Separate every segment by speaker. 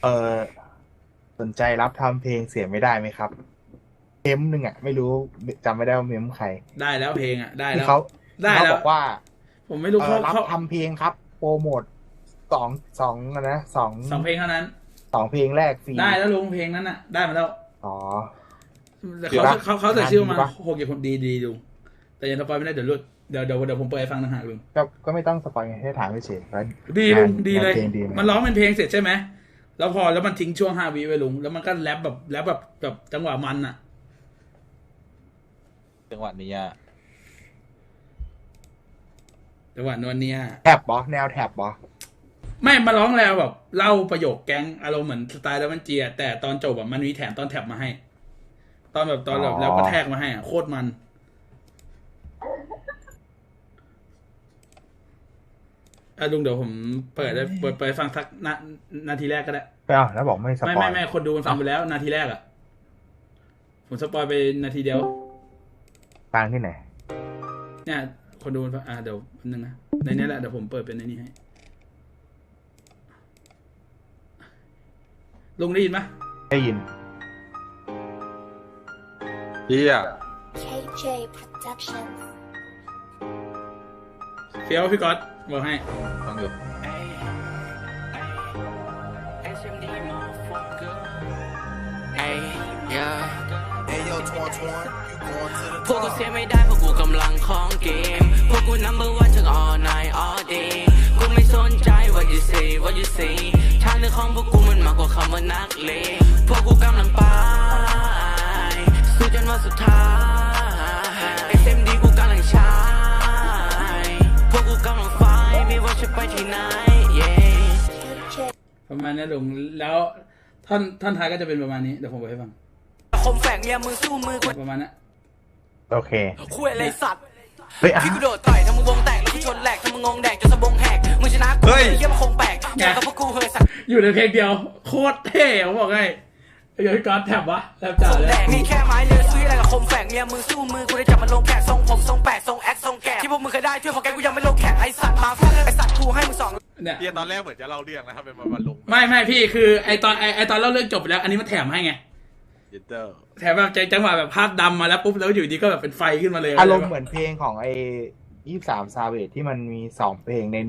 Speaker 1: เออสนใจรับทำเพลงเสียไม่ได้ไหมครับเมมหนึ่งอ่ะไม่รู้จำไม่ได้ว่าเมมใคร
Speaker 2: ได้แล้วเพลงอ่ะได้
Speaker 1: ที่
Speaker 2: แล้ว
Speaker 1: เขา
Speaker 2: ได้
Speaker 1: เขา
Speaker 2: แล้ว
Speaker 1: บอกว่า
Speaker 2: ผมไม่รู้
Speaker 1: รับ
Speaker 2: เขา
Speaker 1: ทำเพลงครับโปรโมทสองสองนะ
Speaker 2: สองเพลงเท่านั้น
Speaker 1: สองเพลงแรกฟรี
Speaker 2: ได้แล้วลุงเพลงนั้นอ่ะได้มาแล้ว
Speaker 1: อ๋อ
Speaker 2: แต่เขาใส่ชื่อมา6 คนดีลุงแต่ยังสปอยไม่ได้เดี๋ยวรุดเดี๋ยวผมเปิดให้ฟังต่างหากลุง
Speaker 1: ก็ไม่ต้องสปอยให้ถามไม่เฉย
Speaker 2: ดีลุงดีเลยมันร้องเป็นเพลงเสร็จใช่ไหมแล้วพอแล้วมันทิ้งช่วง5 วิไว้ลุงแล้วมันก็แรปแบบจังหวะมันอ่ะ
Speaker 3: จังหวะนี้อ่ะ
Speaker 2: จังหวะนวลเนีย
Speaker 1: แท็บบอแนวแท็บบอ
Speaker 2: ไม่มาร้องแล้วแบบเล่าประโยคแก๊งอารมณ์เหมือนสไตล์แล้วมันเจียแต่ตอนจบแบบมันมีแถมตอนแท็บมาให้ตอนแบบแล้วก็แทกมาให้โคตรมันลุงเดี๋ยวผมเปิดฟังสักนาทีแรกก็ได้
Speaker 1: แล้วบอกไม่สปอย
Speaker 2: ไม่คนดูมันฟังไปแล้วนาทีแรกอ่ะผมสปอยไปนาทีเดียว
Speaker 1: ฟังที่ไหน
Speaker 2: เนี่ยคนดูมันฟังเดี๋ยวนึงนะในนี้แหละเดี๋ยวผมเปิดเป็นในนี้ให้ลุงได้ยินไหม
Speaker 1: ได้ยิน
Speaker 3: เฮีย
Speaker 4: KJ Production
Speaker 2: เฟี้ยวพี่ก๊อตบอกให้
Speaker 3: ฟังอยู่
Speaker 5: พวกกูเสียไม่ได้เพราะกูกำลังของเกมพวกกู number one ทั้ง all night all day กูไม่สนใจ what you say what you say ทางเดินของพวกกูมันมากกว่าคำว่านักเลงพวกกูกำลังไปสู้จนวันสุดท้าย SMD กูกำลังใช้พวกกูกำลังไฟไม่ว่าจะไปที่ไหน
Speaker 2: ประมาณนี้ลุงแล้วท่อนท้ายก็จะเป็นประมาณนี้เดี๋ยวผมบอกให้ฟัง
Speaker 5: คมแฝงเมียมือสู้มือ
Speaker 2: ประมาณนั้น
Speaker 1: โอเค
Speaker 5: คุยอะไรสัตว์พี่กูโดดต่อยทำมึงวงแตกแล้วกูชนแหลกทำมึงงงแดกจนสะบงแหกมึงชนะกูเยี่ยมคงแปลกเจอกับพวกกูเฮ้ยสัตว์
Speaker 2: อยู่ในเพลงเดียวโคตรเท่ผมบอกให้เดี๋ยวพี่ก๊อตแถบวะแถบจ่าเลย
Speaker 5: นี่แค่ไม้เลือซื้ออะไรกับคมแฝงเมียมือสู้มือกูได้จับมันลงแกะทรงผมทรงแปดทรงแอคทรงแกะที่พวกมึงเคยได้ช่วยพอแกกูยังไม่ลงแขกไอสัตว์มาไอสัตว์กูให้มึง2
Speaker 3: เนี่ยตอนแรกเหมือนจะเล่าเรื่องนะครับเป็นมาลง
Speaker 2: ไม่พี่คือไอตอนเล่าเรื่องจบไปแล้วอันนี้มันแถมให้ไงแถมแบบจังหวะแบบภาพดำมาแล้วปุ๊บแล้วอยู่ดีก็แบบเป็นไฟขึ้นมาเลย
Speaker 1: อารมณ์เหมือนเพลงของไอ้23 Savage ที่มันมี2 เพลงใน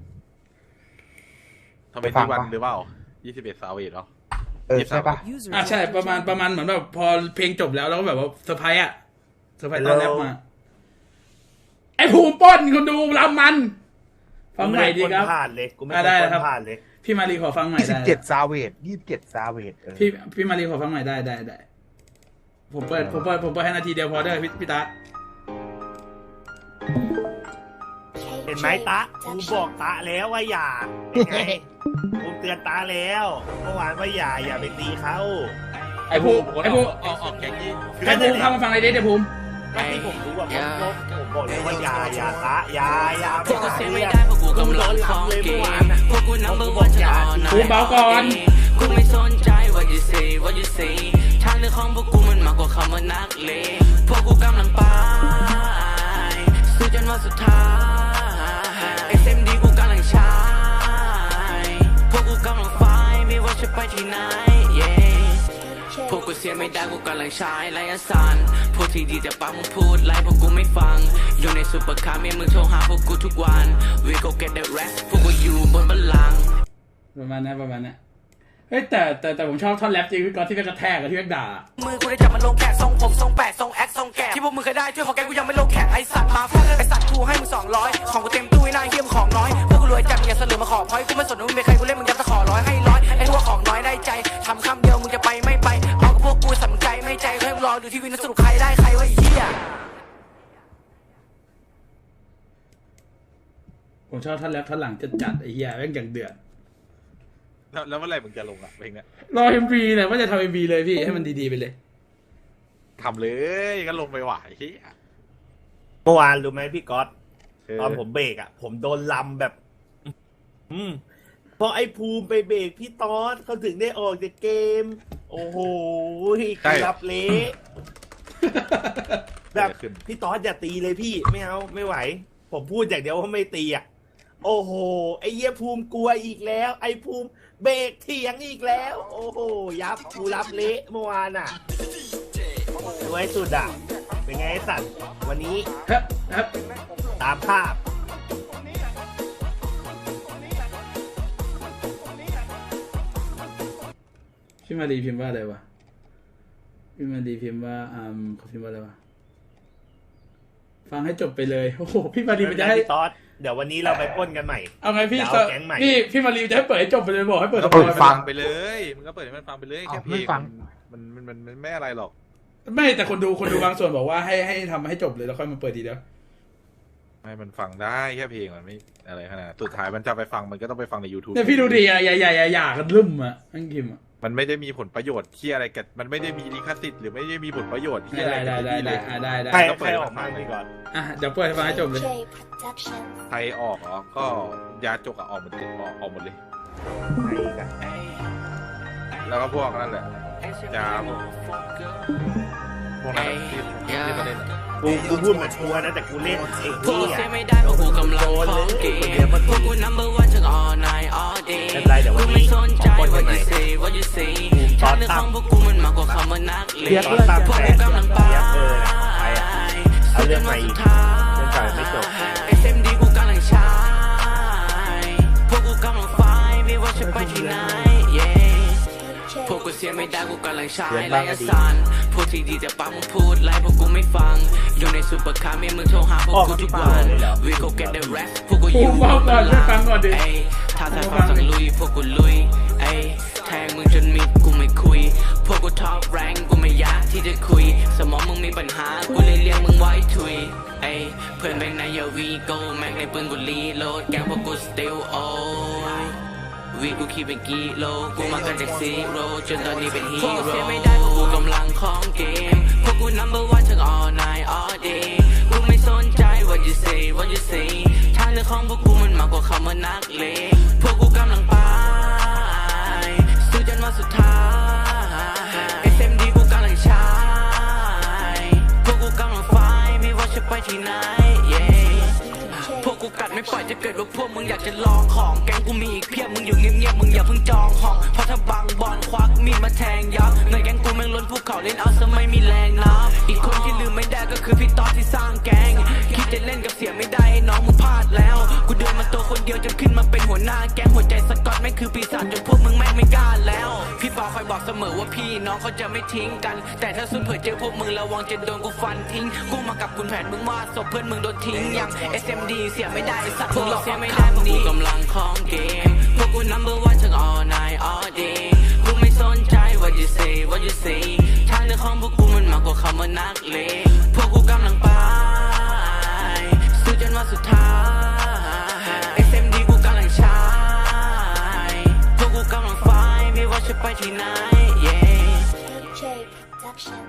Speaker 1: 1
Speaker 3: ทำไมที่วันหรือเปล่า21 Savage เหรอ
Speaker 1: ใช่ปะ
Speaker 2: ใช่ประมาณเหมือนแบบพอเพลงจบแล้วก็แบบว่าเซอร์ไพรส์เซอร์ไพรส์ตอนแรกมาไอ้ภูมิป้นคุณดูลำมันฟังใหม่ดีครับ
Speaker 6: ผ่านเลยกูไม่
Speaker 2: ได้ครับ
Speaker 6: ผ่านเลย
Speaker 2: พี่มารีขอฟังใหม่ได้
Speaker 1: 27 Savage 27 Savage
Speaker 2: พี่มารีขอฟังใหม่ได้ผมเปิดให้นาทีเดียวพอได้พี่ตา
Speaker 6: เห็นไหมตะกูบอกตะแล้วว่าอย่าเป็นไงกูเตือนตาแล้วเมื่อวานว่าอย่าไปตีเขา
Speaker 2: ไอ้ภูมิ
Speaker 3: ออกแข่งยี่
Speaker 2: ไอ้ภูมิเข้ามาฟังไอ้เดี๋ยวภูมิ
Speaker 6: ก็ที่ผมรู้ว่าผมบอกเลยว่าอย่าตะอย่า
Speaker 5: พวกกูเสียไม่ได้เพราะกูกำลังของเกมพวกกู number one ทั้ง all night
Speaker 2: ภูมิเบาก่อน
Speaker 5: กูไม่สนใจ what you say what you say ทางเดินของพวกกูมันมากกว่าคำว่านักเลงพวกกูกำลังไปสู้จนวันสุดท้าย SMD กูกำลังใช้พวกกูกำลังไฟไม่ว่าจะไปที่ไหนพวกกูเสียไม่ได้กูกำลังใช้ไลน์สันพวกที่ดีจะปากมึงพูดไล่พวกกูไม่ฟังอยู่ในซุปเปอร์คาร์เมียมึงโทรหาพวกกูทุกวัน We go get the rest พวกกูอยู่บนบัลลังก์
Speaker 2: ประมาณนั้นเฮ้ยแต่ผมชอบท่อนแรปจริงพี่ก๊อตที่เป็นกระแทกกับที่เป็นด่า
Speaker 5: มือกูได้จับมันลงแกะทรงผมทรงแปดทรงแอคทรงแกะที่พวกมึงเคยได้ช่วยพอแกกูยังไม่ลงแขกไอสัตว์มาไอสัตว์กูให้มึง200ของกูเต็มตู้ไอ้นายเยี่ยมของน้อยพวกกูรวยจัดอย่าเสลือมาขอพอยกูไม่สนว่ามึงเป็นใครกูเล่นมึงยัดตะขอ100ให้100ไอ้พวกของน้อยได้ใจทำคำเดียวมึงจะไปไม่ไปเอากับพวกกูสำใจไม่ใจให้มึงรอดูทีวีนะสรุปใครได้ใครวะไอ้เหี้ย
Speaker 2: ผมชอบท่อนแรปท่อนหลังจัดไอ้เหี้ยแม่งอย่างเดือด
Speaker 3: แล้วเมื่อไหร่มึงจะลงเพลงเนี้ย
Speaker 2: รอ MV เนี่ยว่าจะทำ MV เลยพี่ให้มันดีๆไปเลย
Speaker 3: ทำเลยก็ลงไปไหว
Speaker 6: เมื่อวานรู้ไหมพี่ก๊อตตอนผมเบรกผมโดนลำแบบพอไอ้ภูมิไปเบรกพี่ต๊อดเขาถึงได้ออกจากเกมโอ้โหรับเละแบบพี่ต๊อดอย่าตีเลยพี่ไม่เอาไม่ไหวผมพูดอย่างเดียวว่าไม่ตีโอ้โหไอ้เหี้ยภูมิกลัวอีกแล้ว ไอ้ภูมิเบรกเถียงอีกแล้ว โอ้โหยับกูรับเละเมื่อวานอ่ะสวยสุดอ่ะเป็นไงไอ้สัตว์วันนี้
Speaker 2: ครับครับ
Speaker 6: ตามภาพ
Speaker 2: พี่มารีพิมพ์ว่าอะไรวะพี่มารีพิมพ์ว่าเขาพิมพ์ว่าอะไรวะฟังให้จบไปเลยโอ้โหพี่มารีมันจะให้
Speaker 6: พี่ต๊อดเดี๋ยววันนี้เราไปปล้นกันใหม่
Speaker 2: เอาไงพี่
Speaker 6: เดี๋ยวเอาแก๊งใหม่
Speaker 2: พี่มารีจะให้เปิดให้จบไปเลยบอกให้เปิด
Speaker 3: ก็
Speaker 2: สป
Speaker 3: เปิ
Speaker 2: อ
Speaker 3: ด
Speaker 2: ยไป
Speaker 3: ฟัง
Speaker 2: เลย
Speaker 3: ไปเลยมึงก็เปิดให้มันฟังไปเลยแค่เพล
Speaker 1: ไม่
Speaker 3: ง
Speaker 1: ฟัง
Speaker 3: มันไม่อะไรหรอก
Speaker 2: ไม่แต่คนดูบางส่วนบอกว่าให้ทำให้จบเลยแล้วค่อยมาเปิดทีเดียว
Speaker 3: ไม่มันฟังได้แค่เพลงมันไม่อะไรขนาดนั้นสุดท้ายมันจะไปฟังมันก็ต้องไปฟังใน YouTube
Speaker 2: เนี่ยพี่ดูดิอย่ากันลืมอ่ะนั่งพิมพ์อ่ะ
Speaker 3: มันไม่ได้มีผลประโยชน์ที่อะไรกันมันไม่ได้มีลิขสิทธิ์หรือไม่ได้มีผลประโยชน์ที่อะไร
Speaker 2: ได้
Speaker 3: กับที่เลย
Speaker 2: ได้
Speaker 6: ใคร
Speaker 3: ต้องเปิ
Speaker 6: ใคร
Speaker 3: ด
Speaker 6: ออกมาดีก่อน
Speaker 2: อ่ะเดี๋ยวเปิดให้ฟังให้จบเลย
Speaker 4: KJ Production
Speaker 3: ใครออกเหรอก็ยาจกอะออกหมดเลยออกหมดเลย
Speaker 1: ใครอีกอะ
Speaker 3: แล้วก็พวกนั่นแหละยาพวกนั้นแหละที่ประเด็นอะ
Speaker 6: กูพูดเหมือนกลัวนะแต่กูเล่นเอง
Speaker 5: พวก
Speaker 6: นี่
Speaker 5: กูเสีย
Speaker 6: อ่ะ
Speaker 5: ไม่ได้เพราะกูกำลังคล้องเกมพวกกู number one ทั้ง all night all day
Speaker 6: ไม่เป็นไรเดี๋ยววันนี้
Speaker 5: กูไม่สนใจ
Speaker 6: ขอปล้นกัน
Speaker 5: what
Speaker 6: ใหม่
Speaker 5: you say what you say
Speaker 6: ตอน
Speaker 5: ทางเรื่อง
Speaker 6: ตั้
Speaker 5: ข
Speaker 6: ง
Speaker 5: องพวกกูมันมากกว่าคำว่านักเลง
Speaker 6: ตอนตั้ง
Speaker 5: พวก
Speaker 6: แผ
Speaker 5: กู
Speaker 6: น
Speaker 5: กำลังไป
Speaker 6: ไปอ่ะเอาเรื่องใหม่อีกเรื่องเก่ายังไม่จบ
Speaker 5: SMD กูกำลังใช้พวกกูกำลังไฟไม่ว่าจะไปที่ไหน yeah พวกกูเสียไม่ได้กูกำลังใช้ไลฟ์สันพูดที่ดีแต่ปากมึงพูดไลฟ์พวกกูไม่ฟังอยู่ในซุปเปอร์คาร์มีมึงโทรหาพวกกูทุกวัน We go get the rest พวกกูอยู่
Speaker 2: ฟังก่อนช่วยฟังก่อนดิ
Speaker 5: เอ้ยถ้าสายฟ้าสั่งลุยพวกกูลุยเอ้ยแทงมึงจนมิดกูไม่คุยพวกกูท็อปแรงกูไม่อยากที่จะคุยสมองมึงมีปัญหากูเลยเรียกมึงไว้ทุยเอ้ยเพื่อนแม่งในยาวีโก้แม่งในปืนกูรีโหลดแกงพวกกู still oldวีกูคิดเป็นกิโลกูมากันจากซีโร่จนตอนนี้เป็นฮีโร่เสียไม่ได้เพราะกูกำลังของเกมพวกกู number one ทั้ง all night all day กูไม่สนใจ what you say what you say ทางเรื่องของพวกกูมันมากกว่าคำว่านักเลงพวกกูกำลังไปสู้จนวันสุดท้าย SMD กูกำลังใช้พวกกูกำลังไฟไม่ว่าจะไปที่ไหน yeahพวกกูกัดไม่ปล่อยจะเกิดว่าพวกมึงอยากจะลองของแก๊งกูมีอีกเพียบมึงอยู่เงียบๆมึงอย่าเพิ่งจองห้องเพราะถ้าบังบอลควักมีดมาแทงยับเงินแก๊งกูแม่งล้นภูเขาเล่นเอาซะไม่มีแรงนับอีกคนที่ลืมไม่ได้ก็คือพี่ต๊อดที่สร้างแก๊งคิดจะเล่นกับเสียไม่ได้ไอ้น้องมึงพลาดแล้วกูเดินมาตัวคนเดียวจนขึ้นมาเป็นหัวหน้าแก๊งหัวใจสกอตแม่งคือปีศาจจนพวกมึงแม่งไม่กล้าแล้วพี่ปอคอยบอกเสมอว่าพี่น้องเขาจะไม่ทิ้งกันแต่ถ้าสุดเผื่อเจอพวกมึงระวังจะโดนกูฟันทิ้งกูมากับคุณแผนมึงว่าศพเพื่อนมึงโดนทิ้งยัง SMD เสียไม่ได้สักพวกเราเสียไม่ได้พวกกูกำลังของเกมพวกกู number one ทั้ง all night all day กูไม่สนใจ what you say what you say ทางเรื่องของพวกกูมันมากกว่าคำว่านักเลงพวกกูกำลังไปสู้จนวันสุดท้าย SMD กูกำลังใช้พวกกูกำลังไฟไม่ว่าจะไปที่ไหน yeah
Speaker 4: KJ Production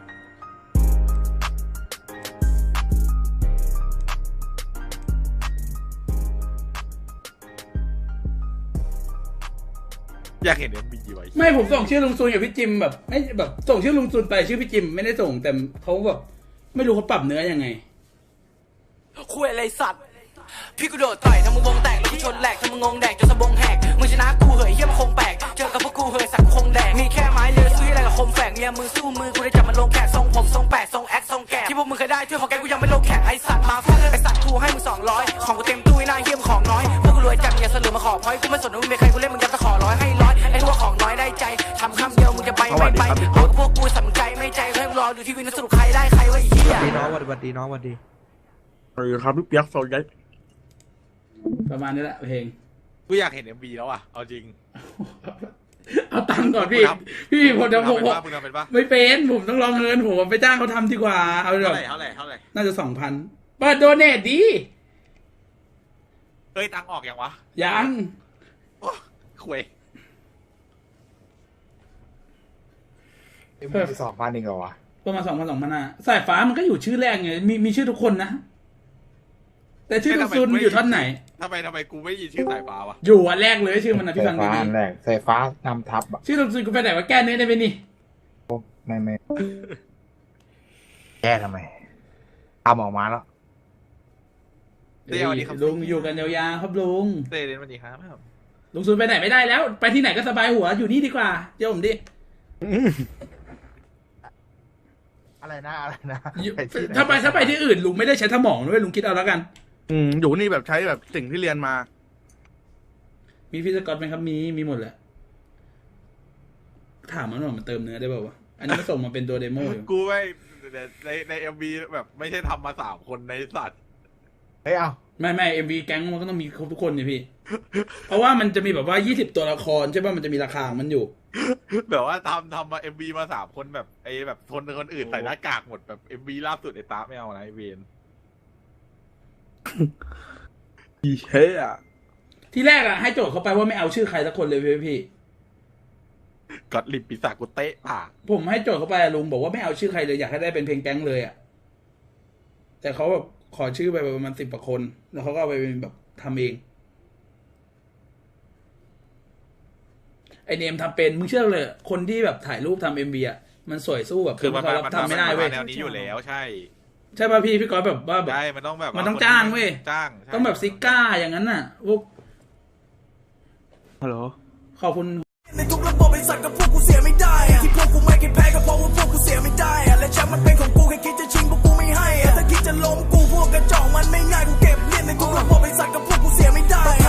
Speaker 3: อยากเห็นเอ็มบีไว้
Speaker 2: ไม่ผมส่งชื่อลุงซุนกับพี่จิมแบบไม่แบบส่งชื่อลุงซุนไปชื่อพี่จิมไม่ได้ส่งแต่เขาแบบไม่รู้เขาปรับเนื้อยังไง
Speaker 5: คุยอะไรสัตว์พี่กูโดดต่อยทำมึงวงแตกแล้วกูชนแหลกทำมึงงงแดกจนสะบงแหกมึงชนะกูเหยเหี้ยมันคงแปลกเจอกับพวกกูเหยสักกูคงแดกมีแค่ไม้เลือซื้ออะไรกับคมแฝกเมียมือสู้มือกูได้จับมันลงแขกทรงผมทรงแปดทรงแอคทรงแกะที่พวกมึงเคยได้ช่วยของแกกูยังไม่ลงแขกไอสัตว์มาฟาดไอสัตว์กูให้มึง200ของกูเต็มตู้ไอ้หน้าเหี้ยมของน้อยพวกกูรวยจัดอย่าเสลือมาขอพอยกูไม่สนว่ามึงเป็นใครกูเล่นมึงยัดตะขอร้อยให้ร้อยไอ้พวกของน้อยได้ใจทำคำเดียวมึงจะไปไม่ไปเอาพวกกูสนใจไม่ใจให้มึงรอดูที่วินสรุปใครได้ใครวะไอ้เหี้ย
Speaker 7: ดีน้องสวัสดีน้องสวัสดี
Speaker 6: สวัสดีครับพี่เปียกโซยัย
Speaker 2: ประมาณนี้แหละเพลง
Speaker 3: กูอยากเห็น MV แล้วอ่ะเอาจริง
Speaker 2: เอาตังค์ก่อนพี่
Speaker 3: ครับ
Speaker 2: พี่ผมจะผม
Speaker 3: มึงทำเป็นปะ
Speaker 2: ไม่เป็นผมต้องรองเงินผมไปจ้างเขาทำดีกว่าเอาแบ
Speaker 3: เท่า
Speaker 2: บ
Speaker 3: ไหร่เท่าไหร่เท่าไหร่
Speaker 2: น่าจะ2,000เปิดโดเนทดี
Speaker 3: เอ้ยตังค์ออกยังวะ
Speaker 2: ยัง
Speaker 3: คุย
Speaker 1: เอ็มบี2,000เองเหรอวะ
Speaker 2: ประมาณ2,000 สายฟ้ามันก็อยู่ชื่อแรกไงมีชื่อทุกคนนะแต่ชื่อลุงซุนอยู่ท่อนไหน
Speaker 3: ทำไมกูไม่ยินชื่อสายฟ้าวะ
Speaker 2: อยู่อันแรกเลยชื่อมันนะพี่
Speaker 1: สา
Speaker 2: ฟั
Speaker 1: ย
Speaker 2: ง
Speaker 1: ฟ้า
Speaker 2: ดี
Speaker 1: อันแรกสายฟ้านำทับอ่ะ
Speaker 2: ๆชื่อลุงซุนกูไปไหนว่าแก้เนื้อได้ไหมนี่
Speaker 1: ไม่แก้ทำไมทำออกมาแล้ว
Speaker 3: เต้สวัสดีครับ
Speaker 2: ลุงอยู่กันยาวๆครับลุง
Speaker 3: เต้เล่นสวัสดีครับ
Speaker 2: ลุงซุนไปไหนไม่ได้แล้ว ไปที่ไหนก็สบายหัวอยู่นี่ดีกว่าเดี๋ยวผมดิ
Speaker 1: อะไรนะอะไรนะ
Speaker 2: ถ้าไปที่อื่นลุงไม่ได้ใช้สมองด้วยลุงคิดเอาแล้วกัน
Speaker 7: อยู่นี่แบบใช้แบบสิ่งที่เรียนมา
Speaker 2: มีพี่สกอตไหมครับมีหมดแหละถามมันหน่อยมันเติมเนื้อได้เปล่าวะอันนี้มันส่งมาเป็นตัวเดโมอยู่
Speaker 3: กูไม่ในเอ็มบีแบบไม่ใช่ทำมา3 คนในสัตว์
Speaker 1: เฮ้ยเอา
Speaker 2: ไม่MV แก๊งมันก็ต้องมีครบทุกคนนี่พี่ เพราะว่ามันจะมีแบบว่า20ตัวละครใช่ป่ะมันจะมีราคาของมันอยู่
Speaker 3: แบบว่าทำมาเอ็มบีมา3 คนแบบไอ้แบบคนอื่นใส่หน้ากากหมดแบบเอ็มบีล่าสุดไอ้ตาไม่เอานะไอ้เวน
Speaker 7: อีเฮ้ย
Speaker 2: ที่แรกอะให้โจทย์เขาไปว่าไม่เอาชื่อใครสักคนเลยพี่
Speaker 3: กดลิปปีศาจกูเตะปาก
Speaker 2: ผมให้โจทย์เขาไปอะลุงบอกว่าไม่เอาชื่อใครเลยอยากให้ได้เป็นเพลงแก๊งเลยอะแต่เขาแบบขอชื่อไปประมาณ10 กว่าคน แล้วเขาก็เอาไปเป็นแบบทำเองไอเนมทำเป็นมึงเชื่อเลยคนที่แบบถ่ายรูปทำMVอะมันสวยสู้แบบ
Speaker 3: คือมัน
Speaker 2: เขารับทำไม่ได้เว้ย
Speaker 3: แนวนี้อยู่แล้วใช่
Speaker 2: ใช่ป่ะพี่ก๊อตแบบว่าแบบ
Speaker 3: ใช่มันต้องแบบ
Speaker 2: มันต้องจ้างเว้ย
Speaker 3: จ้างใช่
Speaker 2: ต้องแบบซิก้าอย่างนั้นน่ะพวก
Speaker 7: ฮัลโหล
Speaker 2: ขอบคุณ
Speaker 5: ในทุกระบบไอ้สัตว์กับพวกกูเสียไม่ได้อะที่พวกกูไม่เคยแพ้ก็เพราะว่าพวกกูเสียไม่ได้อะและแชมป์มันเป็นของกูแค่คิดจะชิงพวกกูไม่ให้อะถ้าคิดจะล้มกูพวกกระจอกมันไม่ง่ายกูเก็บเลียนในทุกระบบไอ้สัตว์กับพวกกูเสียไม่ได้